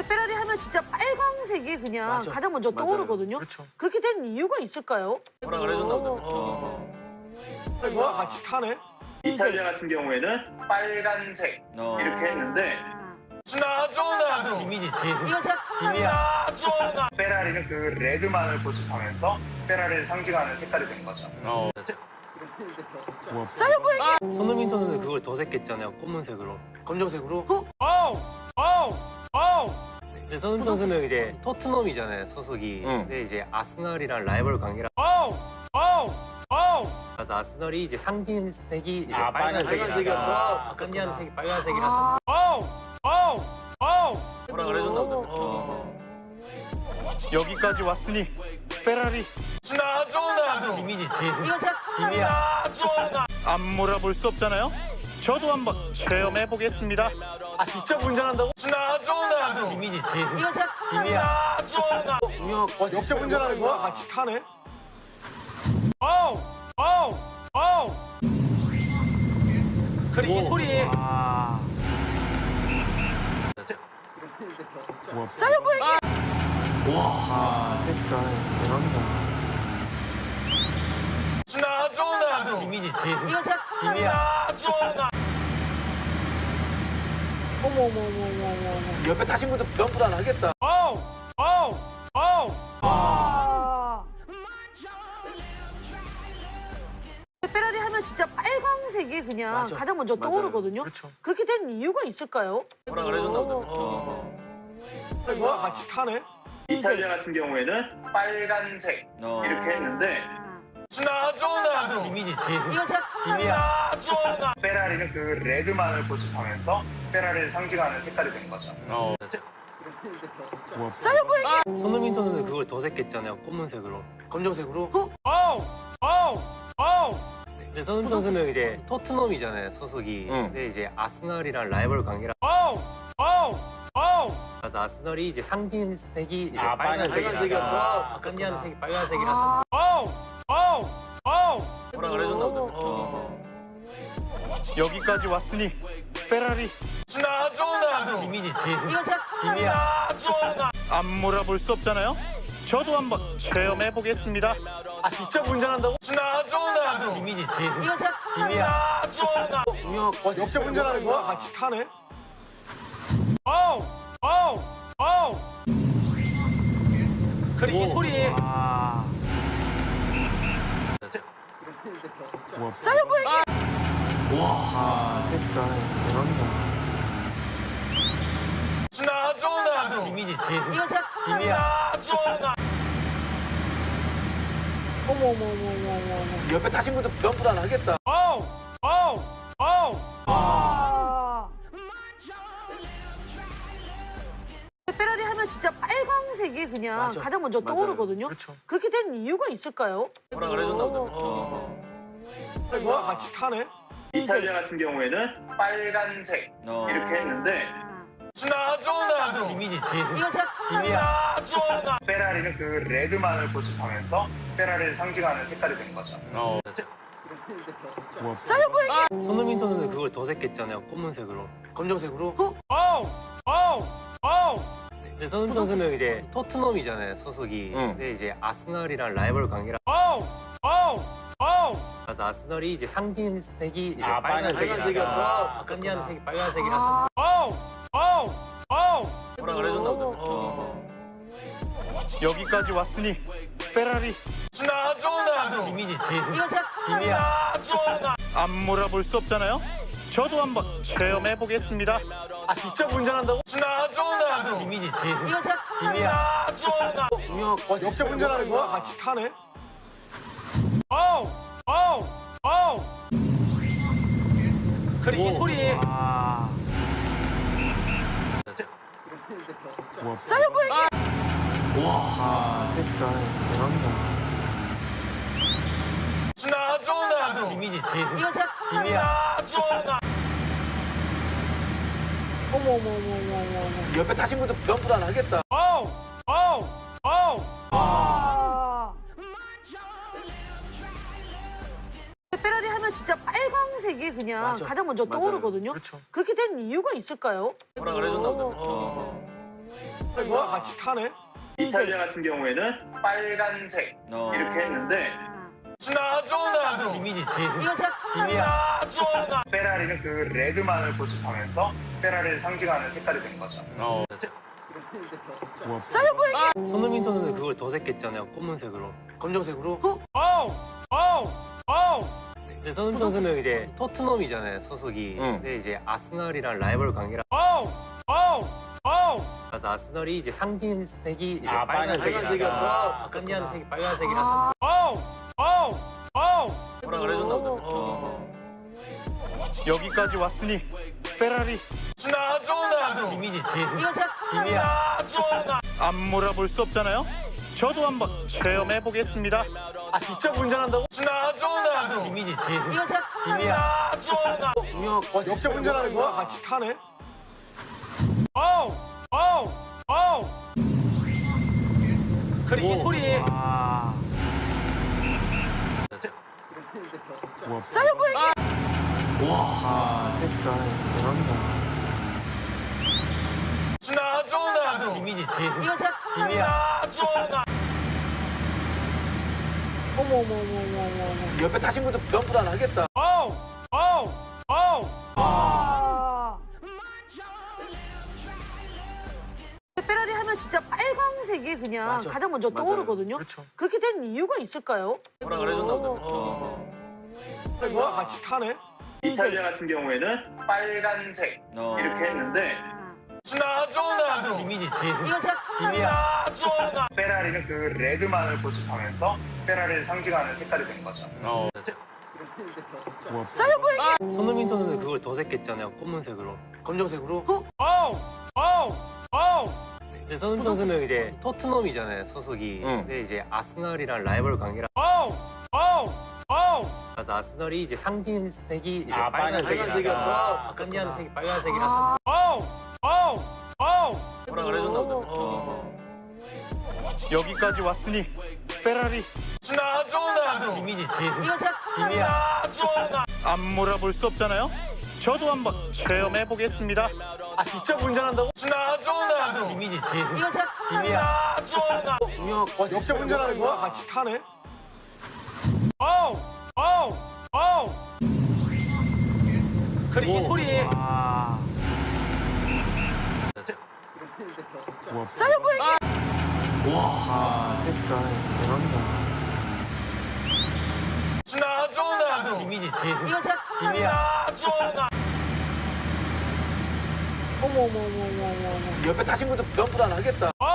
페라리 하면 진짜 빨강색이 그냥 맞아. 가장 먼저 맞아요. 떠오르거든요. 그렇죠. 그렇게 된 이유가 있을까요? 허락을 해줬나 보다. 뭐야 같이 타네? 이탈리아 같은 경우에는 빨간색 이렇게 했는데 나도 짐이지 짐. 이거 제가 짐이야. 페라리는 그 레드만을 고집하면서 페라리를 상징하는 색깔이 된 거죠. 손흥민 선수는 그걸 도색했잖아요. 검은색으로. 검정색으로. 근데 손흥민 선수는 이제 토트넘이잖아요. 소속이. 응. 근데 이제 아스널이랑 라이벌 관계라. 그래서 아스널이 이제 상징색이 이제 빨간색이어서. 끝내는 색이 빨간색이라서. 허락을 해줬나 보다. 여기까지 왔으니 페라리 나도 짐이지 짐. 이거 제가 짐이야. 안 몰아볼 수 없잖아요. 저도 한번 체험해 보겠습니다. 아 직접 운전한다고? 나도 짐이지 짐. 이거 제가 짐이야. 와 직접 운전하는 거야? 같이 타네? 그래 이 소리. 나도 짐이지 짐. 이거 제가 짐이야. 어머. 옆에 타신 분들 불안하겠다. 페라리 하면 진짜 빨강색이 그냥 맞아. 가장 먼저 맞아요. 떠오르거든요. 그렇죠. 그렇게 된 이유가 있을까요? 허락을 해줬나 보다. 뭐야 같이 타네? 이탈리아 같은 경우에는 빨간색 이렇게 했는데 나도 짐이지 짐. 이거 제가 짐이야. 페라리는 그 레드만을 고집하면서 페라리를 상징하는 색깔이 된 거죠. 손흥민 선수는 그걸 도색했잖아요. 검은색으로. 검정색으로. 근데 손흥민 선수는 이제 토트넘이잖아요. 소속이. 응. 근데 이제 아스널이랑 라이벌 관계라. 그래서 아스널이 이제 상징색이 이제 빨간색이어서. 끝내는 색이 빨간색이라서. 허락을 해줬나 보다. 여기까지 왔으니 페라리 나도 짐이지 짐. 이거 제가 짐이야. 안 몰아볼 수 없잖아요. 저도 한번 체험해 보겠습니다. 아 직접 운전한다고? 나도 짐이지 짐. 이거 제가 짐이야. 와 직접 운전하는 거야? 같이 타네? 그래 이 소리. 나도 짐이지 짐. 이거 제가 짐이야. 어머. 옆에 타신 분들 불안하겠다. 페라리 하면 진짜 빨강색이 그냥 맞아. 가장 먼저 맞아요. 떠오르거든요. 그렇죠. 그렇게 된 이유가 있을까요? 허락을 해줬나 보다. 뭐야 같이 타네? 이탈리아 같은 경우에는 빨간색 이렇게 했는데 나도 짐이지 짐. 이거 제가 짐이야. 페라리는 그 레드만을 고집하면서 페라리를 상징하는 색깔이 된 거죠. 손흥민 선수는 그걸 도색했잖아요. 검은색으로. 검정색으로. 근데 손흥민 선수는 이제 토트넘이잖아요. 소속이. 응. 근데 이제 아스널이랑 라이벌 관계라. 그래서 아스널이 이제 상징색이 이제 빨간색이어서. 끝내는 색이 빨간색이라서. 허락을 해줬나 보다. 여기까지 왔으니 페라리 나도 짐이지 짐. 이거 제가 짐이야. 안 몰아볼 수 없잖아요. 저도 한번 체험해 보겠습니다. 아 직접 운전한다고? 나도 짐이지 짐. 이거 제가 짐이야. 와 직접 운전하는 거야? 같이 타네? 그래 이 소리. 나도 짐이지 짐. 이거 제가 짐이야. 어머. 옆에 타신 분들 불안하겠다. 페라리 하면 진짜 빨강색이 그냥 맞아. 가장 먼저 맞아요. 떠오르거든요. 그렇죠. 그렇게 된 이유가 있을까요? 허락을 해줬나 보다. 뭐야? 같이 타네? 이탈리아 같은 경우에는 빨간색 이렇게 했는데 나조나 짐이지 짐. 이거 진짜 짐이야. 나조나. 페라리는 그 레드만을 고집하면서 페라리를 상징하는 색깔이 된 거죠. 손흥민 선수는 그걸 도색했잖아요. 검은색으로. 검정색으로. 근데 손흥민 선수는 이제 토트넘이잖아요. 소속이. 응. 근데 이제 아스널이랑 라이벌 관계라. 그래서 아스널이 이제 상징색이 이제 빨간색이라서. 끝니하는 색이 빨간색이라서. 뭐라 그래줬나 보다. 여기까지 왔으니 페라리 나조나 짐이지 짐. 이거 진짜 짐이야. 나조나. 안 몰아볼 수 없잖아요. 저도 한번 체험해 보겠습니다. 아 직접 운전한다고? 나조나 짐이지 짐. 이거 진짜 짐이야. 나조나. 와 직접 운전하는 거야? 같이 타네? 그래 이 소리. 나조나 짐이지 짐. 이거 진짜 짐이야. 나조나. 어머. 옆에 타신 분들 불안하겠다. 페라리 하면 진짜 빨강색이 그냥 맞아. 가장 먼저 맞아요. 떠오르거든요. 그렇죠. 그렇게 된 이유가 있을까요? 뭐라 그래줬나 보다. 뭐야? 같이 타네? 이탈리아 같은 경우에는 빨간색 이렇게 했는데 나조나 짐이지 짐. 이거 진짜 짐이야. 나조나. 페라리는 그 레드만을 고집하면서 페라리를 상징하는 색깔이 된 거죠. 손흥민 선수는 그걸 도색했잖아요. 검은색으로. 검정색으로. 근데 손흥민 선수는 이제 토트넘이잖아요. 소속이. 응. 근데 이제 아스널이랑 라이벌 관계라. 그래서 아스널이 이제 상징색이 이제 빨간색이라서. 끝니하는 색이 빨간색이라서. 뭐라 그래줬나 보다. 여기까지 왔으니 페라리 나조나 짐이지 짐. 이거 진짜 짐이야. 나조나. 안 몰아볼 수 없잖아요. 저도 한번 체험해 보겠습니다. 아 직접 운전한다고? 나조나 짐이지 짐. 이거 진짜 짐이야. 나조나. 와 직접 운전하는 거야? 같이 타네? 그래 이 소리. 나조나 짐이지 짐. 이거 진짜 짐이야. 나조나. 어머. 옆에 타신 분들 불안하겠다.